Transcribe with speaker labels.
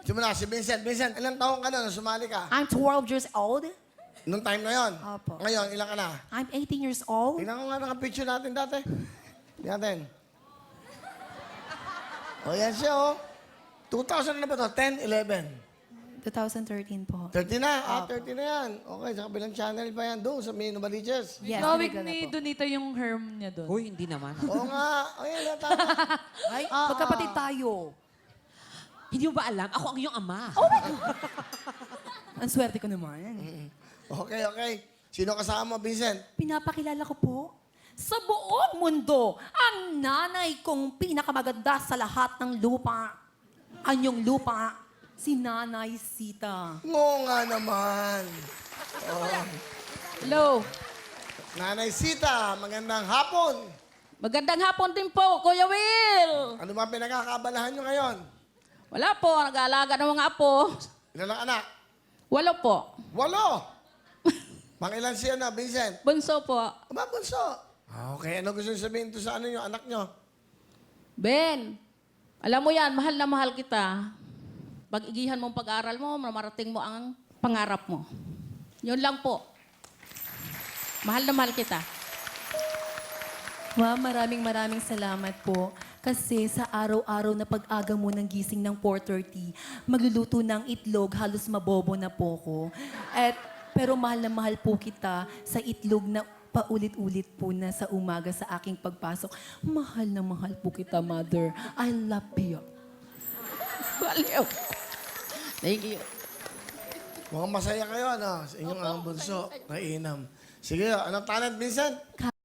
Speaker 1: Simula, si Vincent. Vincent, ilang taong ka na nung sumali ka?
Speaker 2: I'm 12 years old.
Speaker 1: Nung time na yon.
Speaker 2: Opo.
Speaker 1: Ngayon, ilang ka na?
Speaker 2: I'm 18 years old.
Speaker 1: Tingnan ko nga naka-picture natin dati. Tingnan natin. O, yan siya, oh. 2000 na ba to? 10, 11.
Speaker 2: 2013 po.
Speaker 1: 30 na. 30 na yan. Okay, sa kabilang channel pa yan. Doon, sa May Novaliches.
Speaker 2: Yes,
Speaker 3: Gawig
Speaker 2: talaga
Speaker 3: ni
Speaker 2: po.
Speaker 3: Donita yung herm niya doon.
Speaker 4: Uy, hindi naman.
Speaker 1: Oo nga. O, yan, tama.
Speaker 2: Ay, magkapatid tayo.
Speaker 4: Hindi mo ba alam? Ako ang iyong ama.
Speaker 2: Ang swerte ko naman.
Speaker 1: Okay, okay. Sino kasama mo, Vincent?
Speaker 2: Pinapakilala ko po sa buong mundo ang nanay kong pinakamaganda sa lahat ng lupa. Anyong lupa, si Nanay Sita.
Speaker 1: Oo nga naman. Oh.
Speaker 3: Hello.
Speaker 1: Nanay Sita, magandang hapon.
Speaker 5: Magandang hapon din po, Kuya Will.
Speaker 1: Ano ba pinagkakabalahan nyo ngayon?
Speaker 5: Wala po, nag-aalaga ng mga apo.
Speaker 1: Ilan ang anak?
Speaker 5: 8 po.
Speaker 1: 8. Pangilan siya na, Vincent?
Speaker 5: Bunso po.
Speaker 1: Aba, bunso. Okay, ano gusto nyo sabihin to sa ano yung anak nyo?
Speaker 5: Ben, alam mo yan, mahal na mahal kita. Pag-igihan mo ang pag-aaral mo, marating mo ang pangarap mo. Yun lang po. Mahal na mahal kita.
Speaker 2: Wow, maraming salamat po. Kasi sa araw-araw na pag-aga mo ng gising ng 4:30, magluluto ng itlog, halos mabobo na po ko. Pero mahal na mahal po kita sa itlog na paulit-ulit po na sa umaga sa aking pagpasok. Mahal na mahal po kita, Mother. I love you.
Speaker 5: Baliw. Thank you.
Speaker 1: Mukhang masaya kayo, ano? Sa inyong ang bunso, kay Inam. Sige, anong talent, Vincent?